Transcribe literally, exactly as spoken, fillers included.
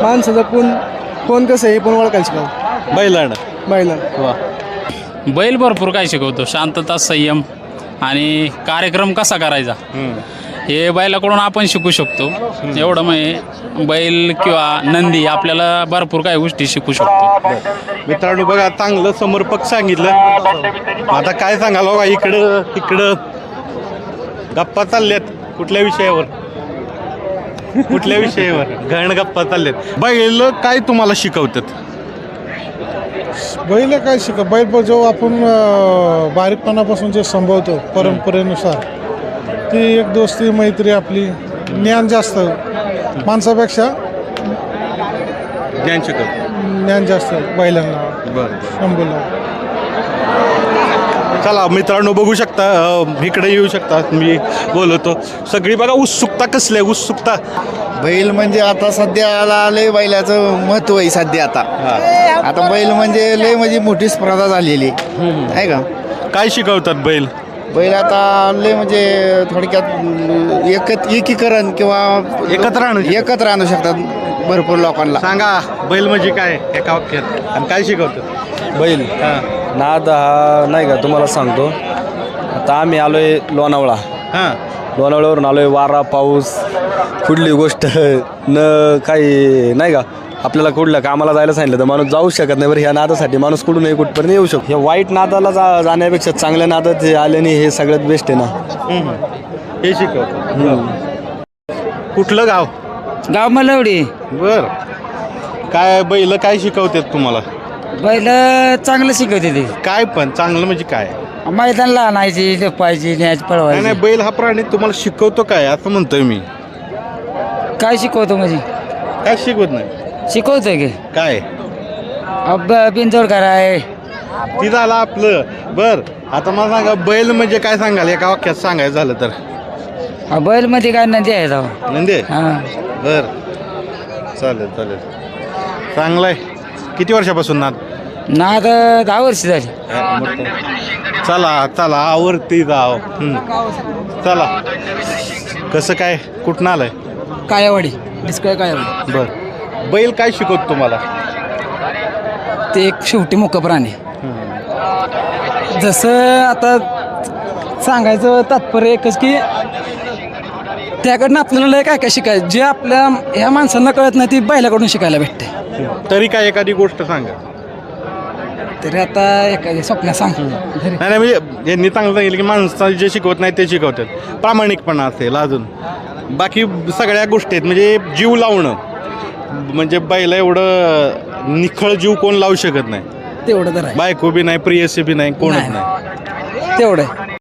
माणसाचं कोण कोण कसं आहे हे पण ओळखायला शिकावं. बैलांड बैला वा. बैल भरपूर काय शिकवतो, शांतता, संयम आणि कार्यक्रम कसा करायचा हे बैलाकडून आपण शिकू शकतो. एवढं म्हणजे बैल किंवा नंदी आपल्याला भरपूर काही गोष्टी शिकू शकतो. मित्रांनो बघा, चांगलं समर्पक सांगितलं. आता काय सांगाल बघा, इकडं इकडं गप्पा चालल्यात. कुठल्या विषयावर कुठल्या विषयावर घण गप्पा चालल्यात. बैल काय तुम्हाला शिकवतात? बैल काय शिका बैल जो आपण अं, बारीकपणापासून जे संभवतो परंपरेनुसार ती एक दोस्ती मैत्री आपली ज्ञान जास्त माणसापेक्षा ज्ञान शिकवत. ज्ञान जास्त बैलांना बरं. संभवलं. चला मित्रांनो, बघू शकता, अ, इकडे येऊ शकता. मी बोलवतो. सगळी बघा उत्सुकता कसली आहे, उत्सुकता. बैल म्हणजे आता सध्याला लय बैलाचं महत्त्व आहे सध्या. आता आता बैल म्हणजे लय म्हणजे मोठी स्पर्धा झालेली आहे का. काय शिकवतात बैल? बैल आता लय म्हणजे थोडक्यात एकत एकीकरण किंवा एकत्र आणू शकतात. एकत्र आणू शकतात भरपूर लोकांना. सांगा बैल म्हणजे काय एका वाक्यात, आणि काय शिकवतात? बैल हां नाद हा नाही का तुम्हाला सांगतो. आता आम्ही आलो आहे लोणावळा. हां लोणावळ्यावरून आलो आहे. वारा पाऊस कुठली गोष्ट न काही नाही का, आपल्याला कुठल्या कामाला जायला सांगितलं तर माणूस जाऊ शकत नाही. बरं, ह्या नादासाठी माणूस कुठूनही कुठपर्यंत येऊ शकतो. ह्या वाईट नादाला जा जाण्यापेक्षा चांगल्या नादात हे आल्याने हे सगळ्यात बेस्ट आहे ना. हे शिकवतात. कुठलं गाव? गाव मलवडी. बर. काय बैल काय शिकवतात तुम्हाला? बैल चांगलं शिकवते ते. काय पण चांगलं म्हणजे काय? मैदानला आणायची, लेपायची, न्यायची, नाही पळवायची. नाही, बैल हा प्राणी तुम्हाला शिकवतो काय असं म्हणतोय मी. काय शिकवतो म्हणजे? काय शिकवत नाही? शिकवतोय की काय अब बिनजोड कराय. ती झालं आपलं. बर, आता मला सांगा बैल म्हणजे काय सांगाल एका वाक्यात सांगायचं झालं तर? हा, बैल मध्ये काय नदी आहे जाऊ. नंदे. हा, बर, चालेल चालेल, चांगलंय. किती वर्षापासून नाद? नाद दहा वर्ष झाली. चला चला, आवडते जाव. चला, कसं काय, कुठनं आलंय? कायावाडी, डिस्कळ कायावाडी. बर. बैल काय शिकवतो तुम्हाला? ते एक शेवटी मुक प्राणी. जसं आता सांगायचं तात्पर्य एकच की त्याकडनं आपल्याला लय काय काय शिकायचं, जे आपल्या ह्या माणसांना कळत नाही ती बैलाकडून शिकायला भेटते. तरी काय एखादी गोष्ट सांगा. तरी आता एखादी स्वप्न सांग. नाही नाही, म्हणजे यांनी चांगलं सांगितलं की माणसाला जे शिकवत नाही ते शिकवतात. प्रामाणिकपणा असेल, अजून बाकी सगळ्या गोष्टी आहेत. म्हणजे जीव लावणं, म्हणजे बैला एवढं निखळ जीव कोण लावू शकत नाही. तेवढं तर आहे. बायको बी नाही, प्रियसी बी नाही, कोणच नाही. नाही. तेवढं